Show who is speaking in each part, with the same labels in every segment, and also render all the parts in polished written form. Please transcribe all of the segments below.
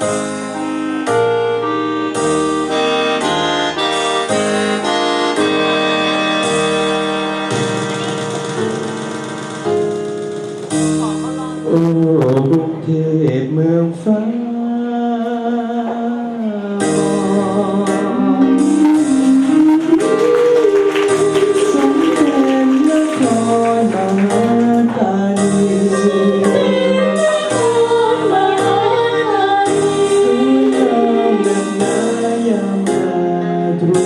Speaker 1: โอ้กรุงเทพเมืองฟ้าสมเป็นนครมหาธานีสวยงามนักหนายามราตรี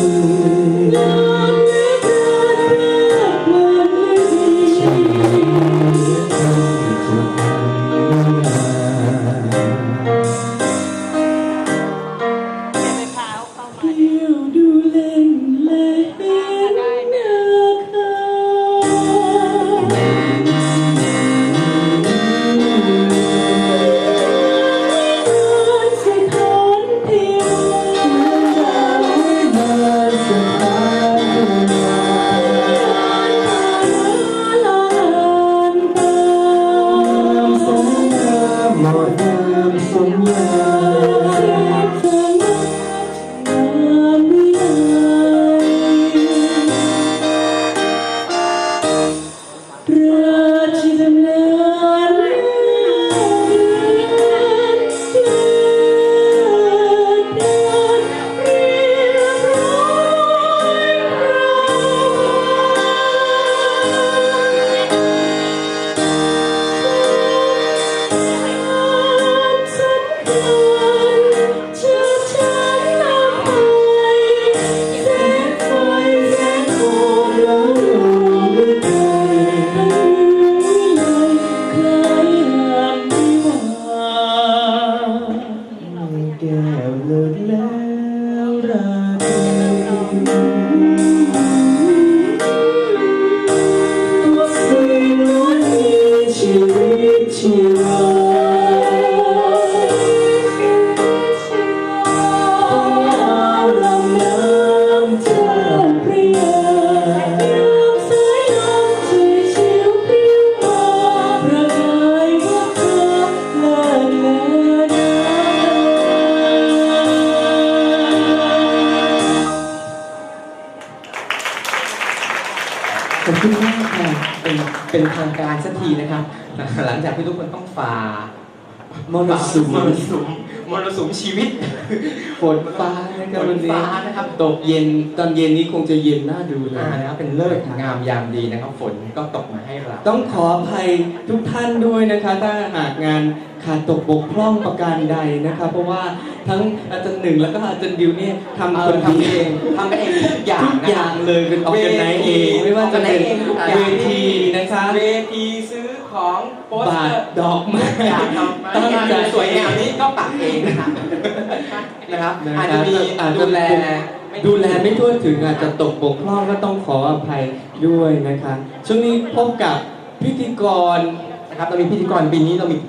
Speaker 2: ขอบคุณมากค่ะเป็นทางการสักทีนะครับหลังจากที่ทุกคนต้องฝ่ามรสุมชีวิตฝนฟ้านะครับวันนี้นะครับตกเย็นตอนเย็นนี้คงจะเย็นน่าดูเลยนะครับเป็นเลิกงามยามดีนะครับฝนก็ตกมาให้เราต้องขออภัยทุกท่านด้วยนะคะถ้าหากงานขาดตกบกพร่องประการใดนะครับเพราะว่าทั้งอาจารย์หนึ่งแล้วก็อาจารย์ดิวเนี่ยทำเองทุกอย่างเลยเป็นออร์แกไนซ์เองไม่ว่าจะเป็นเวทีนะคะเวทีซื้อของโปสเตอร์ดอกไม้ตั้งใจสวยงามนี้ก็ปักเองนะครับอาจจะมีดูแลไม่ทั่วถึงอาจจะตกบกพร่องก็ต้องขออภัยด้วยนะคะช่วงนี้พบกับพิธีกรนะครับเรามีพิธีกรปีนี้เรามี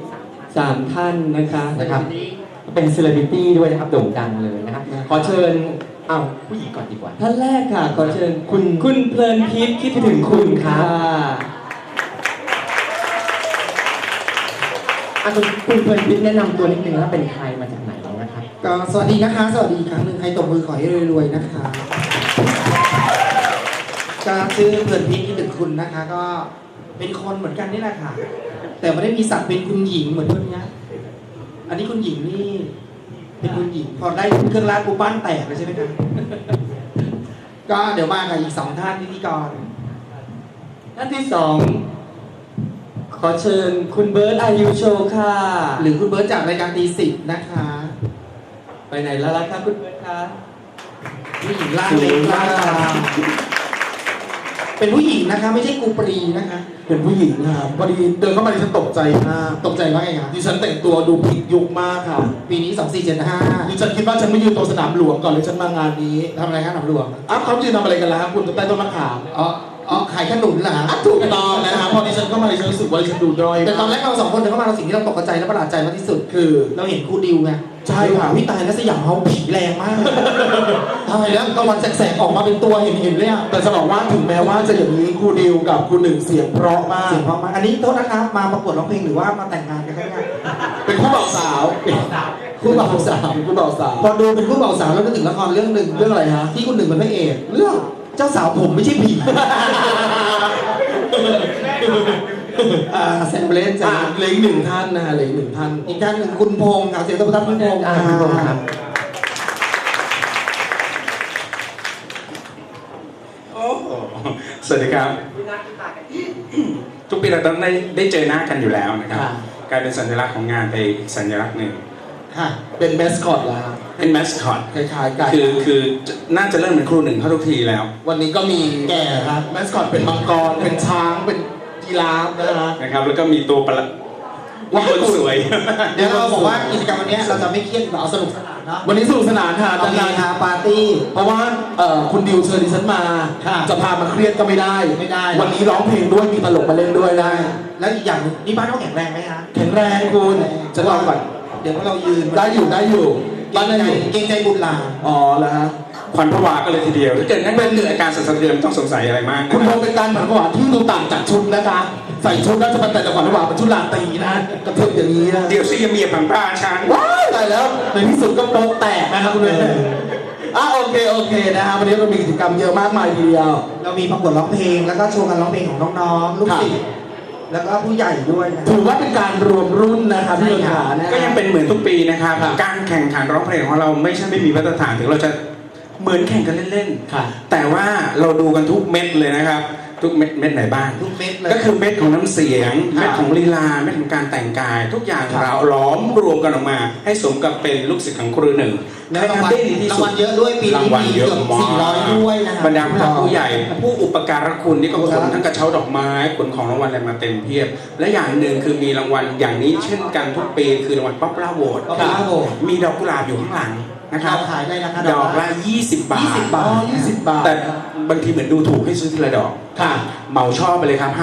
Speaker 2: 3 ท่านนะคะเป็นเซเลบริตี้ด้วยนะครับโด่งดังเลยนะครับขอเชิญผู้หญิงก่อนดีกว่าท่านแรกค่ะขอเชิญคุณเพลินพิษคิดถึงคุณค่ะคุณเพลินพิษแนะนำตัวนิดนึงว่าเป็นใครมาจากไหนนะครับ
Speaker 3: ก็สวัสดีนะคะสวัสดีอีกครั้งหนึ่งใครตบมือขอให้รวยๆนะคะก็ชื่อเพลินพิษคิดถึงคุณนะคะก็เป็นคนเหมือนกันนี่แหละค่ะแต่ไม่ได้มีศักดิ์เป็นคุณหญิงเหมือนคนนี้อันนี้คุณหญิงนี่เป็นคุณหญิงพอได้เครื่องรางกูบ้านแตกเลยใช่ไหมครับก็เดี๋ยวมากับอีก2 ท่านพิธีกร
Speaker 2: ท่านที่2ขอเชิญคุณเบิร์ตอายุโชว์ค่ะ
Speaker 3: หรือคุณเบิร์ตจากรายการตี10นะคะ
Speaker 2: ไปไหนแล้วล่ะครับคุณเบิร์ตคะ
Speaker 3: ผู้หญิงล่างเล็กล่างเป็นผู้หญิงนะคะไม่ใช่กูปรีนะคะ
Speaker 1: เป็นผู้หญิงครับพอดีเดินเข้ามาดิฉันตกใจมาก
Speaker 3: ตกใจว่าไงครับ
Speaker 1: ดิฉันแต่งตัวดูผิดยุคมากค่ะ
Speaker 3: ปีนี้2475
Speaker 1: ดิฉันคิดว่าฉันไม่ยืนตรงสนามหลวงก่อนเลยฉันมางานนี้
Speaker 3: ทำอะไรครับสนามหลวง
Speaker 1: เขายืนทำอะไรกันล่ะคุณใต้ต้นมะขาม
Speaker 3: ขายขนุนเหรอฮะ
Speaker 1: ถูกต้องนะครับพอดิฉันเข้ามาดิฉันรู้สึกว่าดิฉันดูด้อย
Speaker 3: แต่ตอนแรกเรา2 คนเดินเข้ามาเราสิ่งที่เราตกใจและประหลาดใจมากที่สุด
Speaker 1: คือ
Speaker 3: เราเห็นครูดิวไง
Speaker 1: ใช่ค่ะ
Speaker 3: พี่ตายแล้วสยามเขาผีแรงมากทำไมแล้วตะวันแสกๆออกมาเป็นตัวเห็นเลยอ่ะ
Speaker 1: แต่จะบอกว่าถึงแม้ว่าจะอย่างนี้ครูดิวกับครูหนึ่งเสียงเพราะมาก
Speaker 3: อันนี้โทษนะครับมาประกวดร้องเพลงหรือว่ามาแต่งงานกันครับเนี่ย
Speaker 1: เป็นคู่บ่าวสาว
Speaker 3: คู่บ่าวสาว
Speaker 2: คู่บ่าวสาว
Speaker 3: พอดูเป็นคู่บ่าวสาวแล้วก็ถึงละครเรื่องหนึ่ง
Speaker 2: เรื่องอะไรฮะ
Speaker 3: ที่คุณหนึ่งเป็นพระเอก
Speaker 2: เรื่อง
Speaker 3: เจ้าสาวผมไม่ใช่ผีแซมเบลนจ้ะ
Speaker 2: เหลืออีกหนึ่งท่านนะฮะเหลืออีกหนึ่งท่าน
Speaker 3: อีกท่านหนึ่งคุณพงษ์ค่ะเสียงตบมือคุณพงษ์
Speaker 2: คุณพงษ์ครับ
Speaker 4: โอ้โหสวัสดีครับ ทุกปีเราต้องได้เจอหน้ากันอยู่แล้วนะครับ
Speaker 2: ค่ะ
Speaker 4: กลายเป็นสัญลักษณ์ของงานไปอีกสัญลักษณ์หนึ่ง
Speaker 3: ค่ะ
Speaker 2: เป็นแมสคอตแล้วครับ
Speaker 4: เป็นแมสคอต
Speaker 2: คล้ายๆกัน
Speaker 4: คือน่าจะเริ่มเป็นครูหนึ่งเข้าทุกทีแล้ว
Speaker 2: วันนี้ก็มี
Speaker 3: แก่ครับ
Speaker 2: แมสคอตเป็นมังกรเป็นช้างเป็นยีราฟนะฮะ
Speaker 4: นะครับ แล้วก็มีตัวประหลาดว่าคนสวย
Speaker 3: เดี๋ยวเราบอกว่ากิจกรรมวันนี้เราจะไม่เครียดเราเอาสนุกสนานเนาะ
Speaker 2: วันนี้สนุกสนานค่ะ
Speaker 3: เรามี
Speaker 2: นาน
Speaker 3: ฮาปาร์ตี้
Speaker 2: ๆเพราะว่าคุณดิวเชิญดิฉันมา
Speaker 3: ค่ะ
Speaker 2: จะพามาเครียดก็ไม่ได้
Speaker 3: ไม่ได้
Speaker 2: วันนี้ร้องเพลงด้วยมีตลกมาเล่นด้วยได้
Speaker 3: แล้วอีกอย่างหนึ่งนี่บ้านเขาแข็งแรงไหมฮะ
Speaker 2: แข็งแรงคุณจะลองก่อน
Speaker 3: เดี๋ยวเรายืน
Speaker 2: ได้อยู่บ้านได้อยู่
Speaker 3: เกรงใจบุญหลาน
Speaker 2: อ๋อแล้วฮะ
Speaker 4: ควันผวาก็เลยทีเดียวถ้าเกิดนั่นเป็นอาการสั่นสะเทือนไม่ต้องสงสัยอะไรมากนะ
Speaker 2: คุณ
Speaker 4: ค
Speaker 2: โม
Speaker 4: รับ
Speaker 2: เป็นการผันผวนที่ดูต่างจากชุดนะคะ ใส่ชุดน่าจะเป็นแต่จังหวะระหว่างเป็นชุดลาตรีนะกระเทิบอย่างนี้นะ
Speaker 4: เดี๋ยวซิเมียผังป้าฉัน
Speaker 2: ว้ายตายแล้วในที่สุดก็โป๊ะแตกนะครับคุณเวโอเคนะฮะวันนี้เรามีกิจกรรมเยอะมากมายทีเดียว
Speaker 3: เรามีประกวดร้องเพลง แล้วก็โชว์การร้องเพลงของน้องๆ ลูกศิษย์แล้วก็ผู้ใหญ่ด้วยนะ
Speaker 2: ถือว่าเป็นการรวมรุ่นนะครับพี่เลขานะ
Speaker 4: ก็ยังเป็นเหมือนทุกปีนะครับ
Speaker 2: ครับ
Speaker 4: การแข่งขันร้องเพลงของเราไม่ใช่ไม่มีมาตรฐานถึงเราจะเหมือนแข่งกันเล่น
Speaker 2: ค่ะ
Speaker 4: ๆแต่ว่าเราดูกันทุกเม็ดเลยนะครับ ทุกเม็ดไหนบ้าง
Speaker 3: ทุกเม็ดเลย
Speaker 4: ก็คือเม็ดของน้ำเสียง
Speaker 2: ครับ
Speaker 4: เม็ดของลีลาเม็ดของการแต่งกาย ทุกอย่าง
Speaker 2: ครับ
Speaker 4: เราล้อมรวมกันออกมา ให้สมกับเป็นลูกศิษย์ของครูหนึ่ง
Speaker 3: แล้ว
Speaker 4: ให้
Speaker 3: รางวัล
Speaker 4: ทำได้ดีที่
Speaker 3: รา
Speaker 4: สุ
Speaker 3: งวั
Speaker 4: ด
Speaker 3: ลเยอะด้วยปี
Speaker 4: ราง
Speaker 3: นี้
Speaker 4: วัล
Speaker 3: มี
Speaker 4: เยอะ
Speaker 3: เกือบ
Speaker 4: มาก
Speaker 3: 400ด้วยนะครับ
Speaker 4: บรรดาผู้หลักผู้ใหญ่ ผู้อุปการะคุณนี่ก็ขนทั้งกระเช้าดอกไม้ขนของรางวัลอะไรมาเต็มเพียบ และอย่างหนึ่งคือมีรางวัลอย่างนี้เช่นกันทุกปีคือรางวัลป๊อปปูล่าโหวต
Speaker 3: Popular Vote
Speaker 4: มีดอกกุหลาบอยู่ข้างหลังนะครับ
Speaker 3: เราขายได้ราคา
Speaker 4: ดอกละ20 บาท
Speaker 3: 20 บาท
Speaker 2: 20 บาท
Speaker 4: แต่บางทีเหมือนดูถูกให้ซื้อทีละดอก
Speaker 2: ค่ะ
Speaker 4: เหมาช่อไปเลยครับ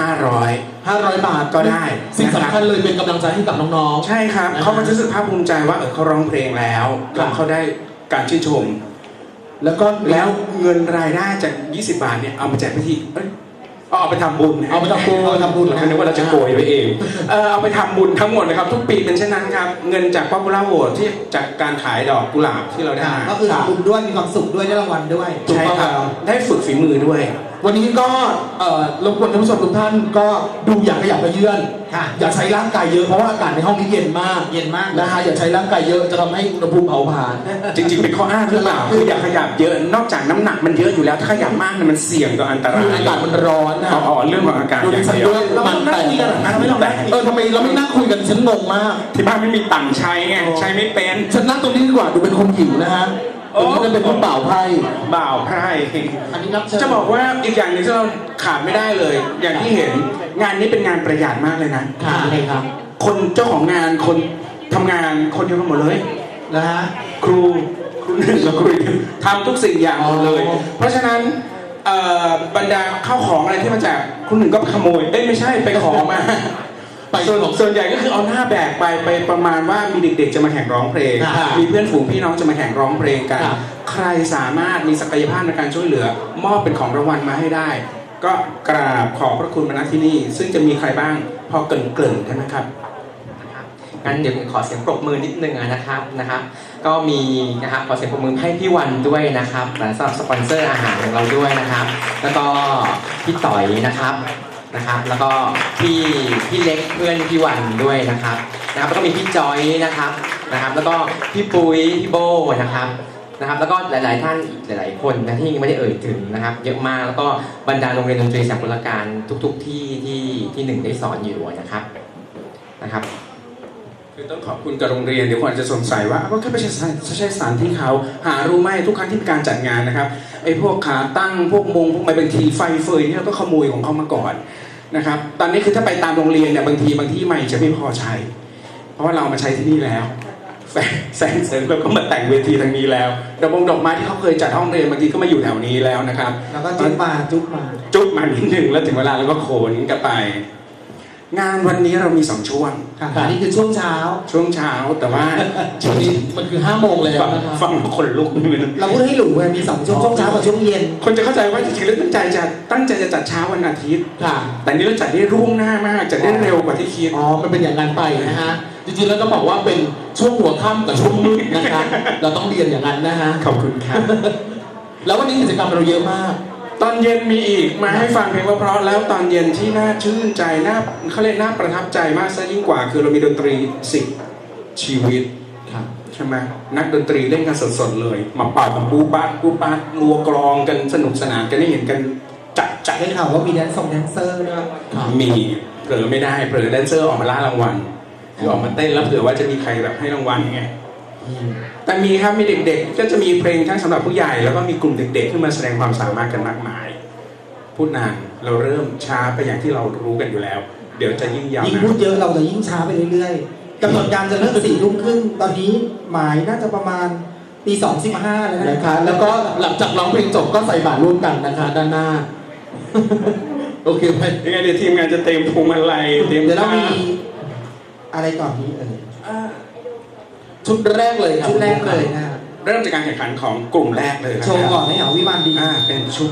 Speaker 2: 500 บาท
Speaker 4: ก็ได้
Speaker 2: สิ่งสำคัญเลยเป็นกำลังใจให้กับน้อง
Speaker 4: 500 ใช่ครับ
Speaker 2: นะครับ
Speaker 4: เขาก็จะรู้สึกภาคภูมิใจว่าเขาร้องเพลงแล้ว
Speaker 2: ครับ
Speaker 4: แล้วเขาได้การชื่นชม
Speaker 2: ๆ แล้วก็
Speaker 4: แล้วเงินรายได้จาก 20 บาทเนี่ยเอามาแจกพิธีเอาไปทำบุญ
Speaker 2: เอาไปทำบุญ
Speaker 4: เราคิดว่าเราจะโกยไปเองเอาไปทำบุญทั้งหมดนะครับทุกปีเป็นเช่นนั้นครับเงินจาก Popular Vote ที่จากการขายดอกกุหลาบที่เราได้
Speaker 3: ก็คือทำบุญด้วยมีความสุขด้วยได้รางวัลด้วย
Speaker 2: ถูก
Speaker 4: ใช่
Speaker 2: ต้อง
Speaker 4: ครับ
Speaker 2: ครับ
Speaker 4: ได้ฝึกฝีมือด้วย
Speaker 2: วันนี้ก็รบกวนท่านผู้ชมทุกท่านก็ดูอย่าขยับกระเยื่อน
Speaker 3: ค่ะ
Speaker 2: อย่าใช้ร่างกายเยอะเพราะว่าอากาศในห้องนี้เย็นมาก
Speaker 3: เย็นมาก
Speaker 2: นะฮะอย่าใช้ร่างกายเยอะจะทำให้อุณหภูมิเผาผลาญ
Speaker 4: จริงๆเป็นข้ออ้างหรือเปล่าคืออย่าขยับเยอะนอกจากน้ำหนักมันเยอะอยู่แล้วถ้าขยับมากเนี่ยมันเสี่ยงต่ออันตรา
Speaker 2: คือย อากาศมันร้อนนะ
Speaker 4: อ๋อเรื่องของอากาศ
Speaker 2: ดู
Speaker 4: อ
Speaker 2: ดิ
Speaker 4: ย่าง
Speaker 2: ฉัน
Speaker 4: เดียว
Speaker 2: ด้วย
Speaker 3: เรา
Speaker 2: มัน
Speaker 3: ไม่
Speaker 2: แต
Speaker 3: ต้องนั่งคุยกันหรอกนะไม่ต้องนั่งคุย
Speaker 2: ทำไมเราไม่นั่งคุยกันฉันงงมาก
Speaker 4: ที่บ้านไม่มีตังค์ใช้ไงใช้ไม่เป็น
Speaker 2: ฉันนั่งตรงนี้ดีกว่าดูเป็นคนหิวนะฮะตรงนี้จะเป็นคนเปล่าไพ่
Speaker 4: บ่าวไพร่
Speaker 3: อันนี้รับเชิญ
Speaker 4: จะบอกว่าอีกอย่างหนึ่งที่เราขาดไม่ได้เลย อย่างที่เห็นงานนี้เป็นงานประหยัดมากเลยนะ
Speaker 2: ค่ะเลยครับ
Speaker 4: คนเจ้าของงานคนทำงานคนเดียวกันหมดเลย
Speaker 3: นะฮะ
Speaker 4: ครูหนึ่งกับครูอีกหนึ่งทำทุกสิ่งอย่างหมดเลย
Speaker 2: อ๋อ
Speaker 4: เพราะฉะนั้นบรรดาข้าวของอะไรที่มาจากครูหนึ่งก็ขโมยไม่ใช่ไปขอมา
Speaker 2: ไป
Speaker 4: ส่วนใหญ่ก็คือเอาหน้าแบกไปประมาณว่ามีเด็กๆจะมาแข่งร้องเพลง
Speaker 2: ค่ะ
Speaker 4: มีเพื่อนฝูงพี่น้องจะมาแข่งร้องเพลงกัน
Speaker 2: ค่ะ
Speaker 4: ใครสามารถมีศักยภาพในการช่วยเหลือ มอบเป็นของรางวัลมาให้ได้ ก็กราบขอบพระคุณมาณที่นี่ ซึ่งจะมีใครบ้างพอเกริ่นๆกันนะครับ
Speaker 5: นะครับงั้นเดี๋ยวขอเสียงปรบมือนิดนึงนะครับ ก็มีนะครับขอเสียงปรบมือให้พี่วันด้วยนะครับและสำหรับสปอนเซอร์อาหารของเราด้วยนะครับ แล้วก็พี่ต่อยนะครับ แล้วก็พี่เล็กเพื่อนพี่วันด้วยนะครับแล้วก็มีพี่จอยนะครับ แล้วก็พี่ปุ้ยพี่โบนะครับ แล้วก็หลายๆท่านอีกหลายๆคนนะที่ยังไม่ได้เอ่ยถึงนะครับ เยอะมากแล้วก็บรรดาโรงเรียนดนตรีสากลการทุกๆที่หนึ่งได้สอนอยู่นะครับ
Speaker 4: คือต้องขอบคุณกับโรงเรียนเดี๋ยวคนอาจจะสงสัยว่าก็แค่ไม่ใช่สถานที่เขาหารู้ไหมทุกครั้งที่มีการจัดงานนะครับไอ้พวกขาตั้งพวกมงพวกไม้บางทีไฟเฟยนี่เราก็ขโมยของเขามาก่อนนะครับตอนนี้คือถ้าไปตามโรงเรียนเนี่ยบางทีไม่จะไม่พอใช้ เพราะว่าเรามาใช้ที่นี่แล้วแสงเสริมเราก็มาแต่งเวทีทางนี้แล้วดอกไม้ที่เขาเคยจัดห้องเรียนบางทีก็มาอยู่แถวนี้แล้วนะครับ
Speaker 3: แล้วก็จุ๊บมา
Speaker 4: จุดมานิดหนึ่งแล้วถึงเวลาเราก็โขนกลับไปงานวันนี้เรามี2ช่วง
Speaker 3: ค่ะอันนี้คือช่วงเช้า
Speaker 4: ช่วงเช้าแต่ว่า
Speaker 2: ช่วงนี้มันคือ5 โมงแล้ว
Speaker 4: ฟัง
Speaker 2: นะครับ
Speaker 4: ฟังแล้วขนลุกนิดนึง
Speaker 3: เราพูดให้หลูไงมี2ช่วงเช้ากับช่วงเย็น
Speaker 4: คนจะเข้าใจว่าจริงๆแล้วตั้งใจจะจัดเช้าวันอาทิตย์
Speaker 2: ค่ะ
Speaker 4: แต่นี่เราจัดได้ร่วงหน้ามากจัดได้เร็วกว่าที่คิด
Speaker 2: อ๋อ มันเป็นอย่างนั้นไปนะฮะ จริงๆ แล้วก็บอกว่าเป็นช่วงหัวค่ำกับช่วงมืดนะคะ เราต้องเรียนอย่างนั้นนะฮะ
Speaker 4: ขอบคุณครับ
Speaker 2: แล้ววันนี้กิจกรรมเราเยอะมาก
Speaker 4: ตอนเย็นมีอีกมาให้ฟังเพลงเพราะๆแล้วตอนเย็นที่น่าชื่นใจน่าเขาเรียกน่าประทับใจมากซะยิ่งกว่า คือเรามีดนตรี10 ชีวิต
Speaker 2: ครับ
Speaker 4: ใช่ไหมนักดนตรีเล่นกันสดๆเลย มาเป่ากันปูปาดรัวกลองกันสนุกสนานกันได้เห็นกันจัด
Speaker 3: ได้ข่าวว่ามีแดนเซอร์ด้วย
Speaker 4: มีเผลอไม่ได้เผลอแดนเซอร์ออกมาล่ารางวัลคือออกมาเต้นแล้วเผื่อว่าจะมีใครแบบให้รางวัลไงแต่มีครับมีเด็กๆก็จะมีเพลงทั้งสำหรับผู้ใหญ่แล้วก็มีกลุ่มเด็กๆขึ้นมาแสดงความสามารถกันมากมาย พูดนานเราเริ่มช้าไปอย่างที่เรารู้กันอยู่แล้ว เดี๋ยวจะยิ่งยาว
Speaker 3: ยิ่ง
Speaker 4: นะ
Speaker 3: พูดเยอะเราจะยิ่งช้าไปเรื่อยๆกำหนดการจะเริ่ม4 ทุ่มครึ่งตอนนี้หมายน่าจะประมาณตี 2:15แล้ว
Speaker 2: นะ
Speaker 3: นะคะ
Speaker 2: แล้วก็หลังจากร้องเพลงจบก็ใส่บาตรร่วมกันนะคะ ด้านหน้า โอเคไหม
Speaker 4: ยังไงเดี๋ยวทีมงานจะเตรียมพวงมาลัยเตรียม
Speaker 3: เดี๋ยวเรา
Speaker 4: ผ้า
Speaker 3: มีอะไรก่อนนี้
Speaker 2: ชุดแรกเลยครับ
Speaker 3: ชุดแรกเลยนะ
Speaker 4: เริ่มจากการแข่งขันของกลุ่มแรกเลย
Speaker 3: โชว์ก่อนให้เหรอวิมานดิน
Speaker 4: เป็นชุด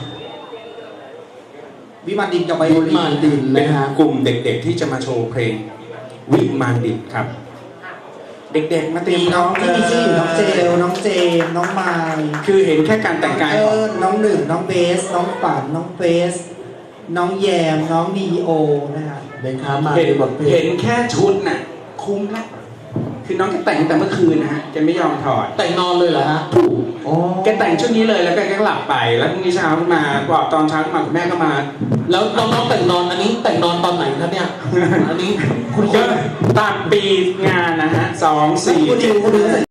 Speaker 3: วิมานดินกับไบโอลิ
Speaker 2: มาน ดิน
Speaker 4: เป็น
Speaker 2: นะฮะ
Speaker 4: กลุ่มเด็กๆที่จะมาโชว์เพลงวิมานดิบครับ เด็กๆมาเตรีย
Speaker 3: มี
Speaker 4: ม
Speaker 3: น้องที่มีชื่ออยู่น้องเจลน้องเจมน้องไมล์
Speaker 4: คือเห็นแค่การแต่งกายของ
Speaker 3: น้องหนึ่งน้องเบส น้องฝันน้องเฟส น้องแยมน้องนีโอนะฮะ
Speaker 2: นะครับมา
Speaker 4: เห็น
Speaker 2: ในบทเพล
Speaker 4: เห็
Speaker 2: ง
Speaker 4: นแค่ชุดน่ะคุ้มละคือน้องแกแต่งตั้งแต่เมื่อคืนนะฮะแกไม่ยอมถอด
Speaker 2: แต่งนอนเลยเหรอฮะ
Speaker 4: ถูก
Speaker 2: อ๋อ
Speaker 4: แกแต่งชุดนี้เลยแล้วแกก็หลับไปแล้วพรุ่งนี้เช้าขึ้นมาบอกตอนเช้าขึ้นมาคุณแม่ก็มา
Speaker 2: แล้วน้องๆแต่งนอนอันนี้แต่งนอนตอนไหนครับเนี่ย อันนี้คุณ
Speaker 4: ก็ตามปีงานนะฮะ2 4
Speaker 3: คุณดิว